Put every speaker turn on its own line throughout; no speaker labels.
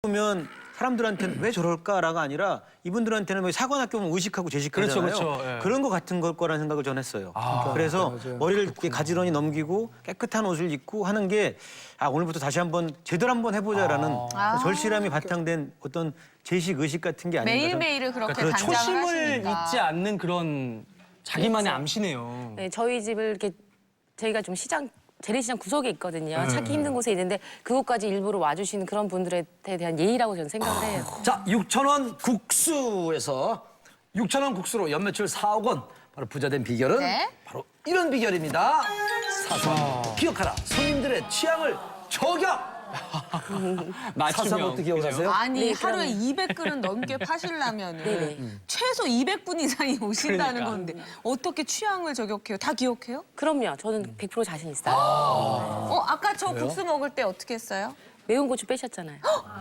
보면 사람들한테는 왜 저럴까라가 아니라 이분들한테는 뭐 사관학교 보면 의식하고 제식하잖아요.
그렇죠. 예.
그런 거 같은 걸 거라는 생각을 전 했어요. 그래서
맞아요.
머리를 이렇게 가지런히 넘기고 깨끗한 옷을 입고 하는 게 오늘부터 다시 한번 제대로 한번 해보자라는 절실함이 바탕된 어떤 제식 의식 같은 게 아닌가.
매일매일을 그렇게
그렇죠.
단장을
초심을
하시니까.
잊지 않는 그런 자기만의 암시네요.
네, 저희 집을 이렇게 저희가 좀 재래시장 구석에 있거든요. 찾기 힘든 곳에 있는데 그곳까지 일부러 와주시는 그런 분들에 대한 예의라고 저는 생각을 해요.
자, 6,000원 국수에서 6,000원 국수로 연매출 4억 원. 바로 부자된 비결은
네.
바로 이런 비결입니다. 사소한 기억하라. 손님들의 취향을 저격. 사소한 것도 기억을 하세요?
아니
네,
하루에
그럼요.
200그릇 넘게 파시려면
네네.
최소 200분 이상이 오신다는
그러니까.
건데 어떻게 취향을 저격해요? 다 기억해요?
그럼요. 저는 100% 자신 있어요.
아까 저 국수 먹을 때 어떻게 했어요?
매운 고추 빼셨잖아요.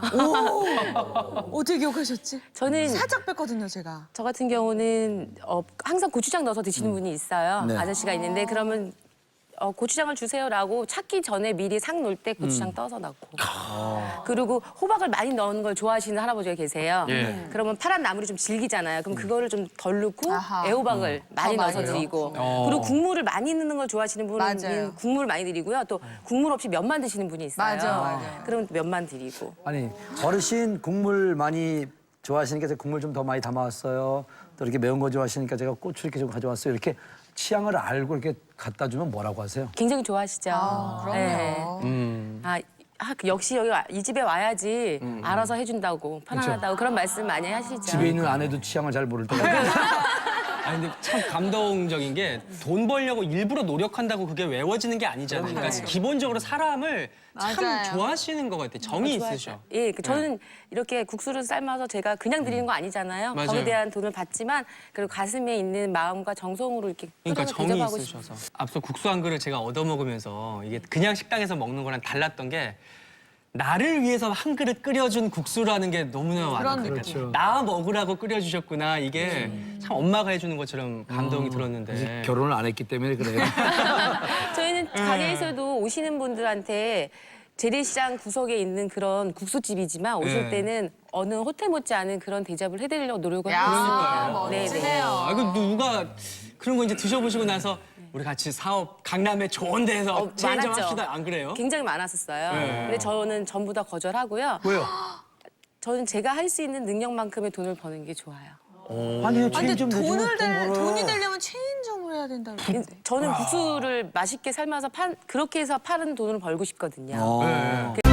어떻게 기억하셨지?
저는
살짝 뺐거든요, 제가.
저 같은 경우는 항상 고추장 넣어서 드시는 분이 있어요.
네.
아저씨가 있는데 그러면 고추장을 주세요라고 찾기 전에 미리 상 놓을 때 고추장 떠서 넣고 그리고 호박을 많이 넣는 걸 좋아하시는 할아버지가 계세요.
예.
그러면 파란 나물이 좀 질기잖아요. 그럼 그거를 좀 덜 넣고
아하.
애호박을 많이
더
넣어서
많이
드리고
넣고.
그리고 국물을 많이 넣는 걸 좋아하시는
맞아요.
분은 국물을 많이 드리고요. 또 국물 없이 면만 드시는 분이 있어요.
맞아요.
그럼 면만 드리고.
아니, 어르신 국물 많이 좋아하시니까 제가 국물 좀 더 많이 담아왔어요. 또 이렇게 매운 거 좋아하시니까 제가 고추 이렇게 좀 가져왔어요. 이렇게 취향을 알고 이렇게 갖다 주면 뭐라고 하세요?
굉장히 좋아하시죠.
그럼요.
역시 여기 이 집에 와야지 알아서 해준다고 편안하다고 그런 말씀 많이 하시죠.
집에 있는 아내도 취향을 잘 모를 때가
아니 근데 참 감동적인 게 돈 벌려고 일부러 노력한다고 그게 외워지는 게 아니잖아요. 그러니까 기본적으로 사람을 참
맞아요.
좋아하시는 것 같아요. 정이
좋아하죠.
있으셔.
예, 저는 이렇게 국수를 삶아서 제가 그냥 드리는 거 아니잖아요.
맞아요.
거기에 대한 돈을 받지만 그리고 가슴에 있는 마음과 정성으로 이렇게
그러니까
끓여서
정이
대접하고
있으셔서. 앞서 국수 한 그릇 제가 얻어먹으면서 이게 그냥 식당에서 먹는 거랑 달랐던 게 나를 위해서 한 그릇 끓여준 국수라는 게 너무나 와닿아요.
그렇죠.
나 먹으라고 끓여주셨구나. 이게 참 엄마가 해주는 것처럼 감동이 들었는데.
결혼을 안 했기 때문에 그래요.
저희는 가게에서도 오시는 분들한테 재래시장 구석에 있는 그런 국수집이지만 오실
네.
때는 어느 호텔 못지않은 그런 대접을 해드리려고 노력을
야,
하고 있습니다.
멋지네요.
그 누가 그런 거 이제 드셔보시고 나서 우리 같이 사업 강남에 좋은 데서 체인 좀
많았죠.
합시다. 안 그래요?
굉장히 많았었어요.
네.
근데 저는 전부 다 거절하고요.
왜요?
저는 제가 할 수 있는 능력만큼의 돈을 버는 게 좋아요.
아니요,
근데
체인점
돈을
내주면
돈이 되려면 체인점을 해야 된다고 그러는데.
저는 국수를 맛있게 삶아서 그렇게 해서 파는 돈을 벌고 싶거든요.
어.